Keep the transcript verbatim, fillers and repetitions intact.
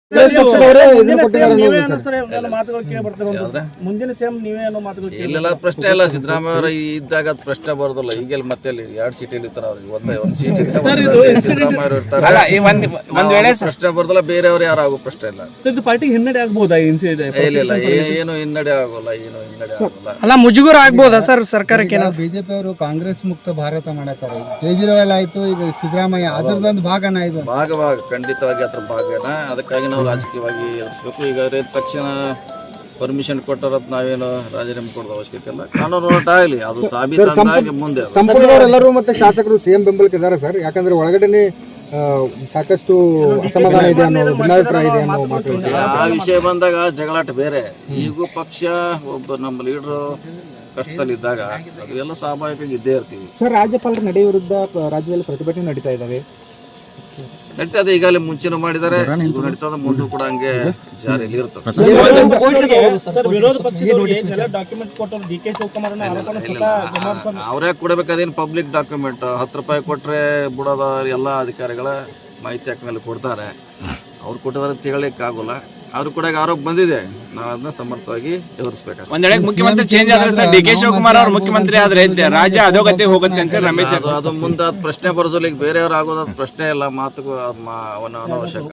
ಮುಂದಿನ ಸಿಎಂ ನೀವೇ ಅನ್ನೋ ಮಾತುಗಳು ಇಲ್ಲೆಲ್ಲ ಪ್ರಶ್ನೆ ಇಲ್ಲ. ಸಿದ್ದರಾಮಯ್ಯ ಅವರು ಇದ್ದಾಗ ಅದು ಪ್ರಶ್ನೆ ಬರೋದಿಲ್ಲ. ಈಗೆಲ್ಲ ಮತ್ತೆ ಎರಡು ಸೀಟ್ ಇರ್ತಾರೆ ಅವ್ರಿಗೆ, ಒಂದೇ ಒಂದು ಸೀಟ್ ಸಿದ್ದರಾಮಯ್ಯ ಅವರು ಇರ್ತಾರೆ, ಪ್ರಶ್ನೆ ಬರೋದಿಲ್ಲ. ಬೇರೆಯವರು ಯಾರು ಆಗೋ ಪ್ರಶ್ನೆ ಇಲ್ಲ. ಪಾರ್ಟಿಗೆ ಹಿನ್ನಡೆ ಆಗ್ಬೋದಾ? ಇಲ್ಲ, ಏನು ಹಿನ್ನಡೆ ಆಗೋಲ್ಲ, ಏನು ಹಿನ್ನಡೆ ಆಗೋಲ್ಲ. ಅಲ್ಲ, ಮುಜುಗರ ಆಗ್ಬೋದಾ ಸರ್ ಸರ್ಕಾರಕ್ಕೆ? ಬಿಜೆಪಿ ಅವರು ಕಾಂಗ್ರೆಸ್ ಮುಕ್ತ ಭಾರತ ಮಾಡತಾರೆ. ಕೇಜ್ರಿವಾಲ್ ಆಯ್ತು, ಈಗ ಸಿದ್ದರಾಮಯ್ಯ ಅದರದೊಂದು ಭಾಗನ ಇದು ಭಾಗ ಭಾಗ ಖಂಡಿತವಾಗಿ ಅದ್ರ ಭಾಗನ. ಅದಕ್ಕಾಗಿ ನಾವು ರಾಜಕೀಯವಾಗಿ ಎದುರಿಸಬೇಕು. ಈಗ ತಕ್ಷಣ ಪರ್ಮಿಷನ್ ಕೊಟ್ಟರತ್ ನಾವೇನು ರಾಜೀನಾಮೆ ಕೊಡೋದು ಅವಶ್ಯಕತೆ ಇಲ್ಲ. ಕಾನೂನು ಹೋರಾಟ ಆಗಲಿ, ಅದು ಸಾಬೀತಾಗಿ ಮುಂದೆ ಸಂಪೂರ್ಣವರೆಲ್ಲರೂ ಮತ್ತೆ ಶಾಸಕರು ಸಿಎಂ ಬೆಂಬಲಕ್ಕೆ ಇದ್ದಾರೆ ಸರ್. ಯಾಕಂದ್ರೆ ಒಳಗಡೆ ಸಾಕಷ್ಟು ಅಸಮಾಧಾನ ಇದೆ ಅನ್ನೋ ಭಿನ್ನಾಭಿಪ್ರಾಯ ಇದೆ ಅನ್ನೋ ಮಾತು. ಆ ವಿಷಯ ಬಂದಾಗ ಜಗಳಾಟ ಬೇರೆ. ಈಗೂ ಪಕ್ಷ ಒಬ್ಬ ನಮ್ಮ ಲೀಡರು ಕಷ್ಟದಲ್ಲಿದ್ದಾಗ ಅದು ಎಲ್ಲ ಸ್ವಾಭಾವಿಕವಾಗಿ ಇದ್ದೇ ಇರ್ತೀವಿ ಸರ್. ರಾಜ್ಯಪಾಲರ ನಡೆ ವಿರುದ್ಧ ರಾಜ್ಯದಲ್ಲಿ ಪ್ರತಿಭಟನೆ ನಡೀತಾ ಇದ್ದಾವೆ. ನಡೀತದೆ, ಈಗಾಗಲೇ ಮುಂಚೆನೂ ಮಾಡಿದ್ದಾರೆ, ಈಗ ನಡೀತದೆ, ಮುಂದೂ ಕೂಡ ಹಂಗೆ ಜಾರಿಯಲ್ಲಿ ಇರ್ತದೆ. ಅವರೇ ಕೊಡಬೇಕು, ಅದೇನು ಪಬ್ಲಿಕ್ ಡಾಕ್ಯುಮೆಂಟ್. ಹತ್ತು ರೂಪಾಯಿ ಕೊಟ್ರೆ ಬಿಡೋದ ಎಲ್ಲ ಅಧಿಕಾರಿಗಳ ಮಾಹಿತಿ ಹಾಕ ಮೇಲೆ ಕೊಡ್ತಾರೆ. ಅವ್ರು ಕೊಟ್ಟಿದ್ದಾರೆ ಅಂತ ಹೇಳಲಿಕ್ಕೆ ಆಗೋಲ್ಲ. ಅವ್ರು ಕೂಡ ಆರೋಪ ಬಂದಿದೆ, ನಾವು ಅದನ್ನ ಸಮರ್ಥವಾಗಿ ಎದುರಿಸಬೇಕು. ಒಂದ್ ವೇಳೆ ಮುಖ್ಯಮಂತ್ರಿ ಚೇಂಜ್ ಆದ್ರೆ ಸರ್, ಡಿ ಕೆ ಶಿವಕುಮಾರ್ ಅವರು ಮುಖ್ಯಮಂತ್ರಿ ಆದ್ರೆ ರಾಜ್ಯ ಅಧೋಗತಿ ಹೋಗುತ್ತೆ ಅಂತ ರಮೇಶ್ ಅದು ಮುಂದೆ ಪ್ರಶ್ನೆ ಬರೋದಿಲ್ಲ. ಈಗ ಬೇರೆಯವ್ರು ಆಗೋದ್ ಪ್ರಶ್ನೆ ಇಲ್ಲ, ಮಾತುಗೂ ಅವನ ಅನವಶ್ಯಕ.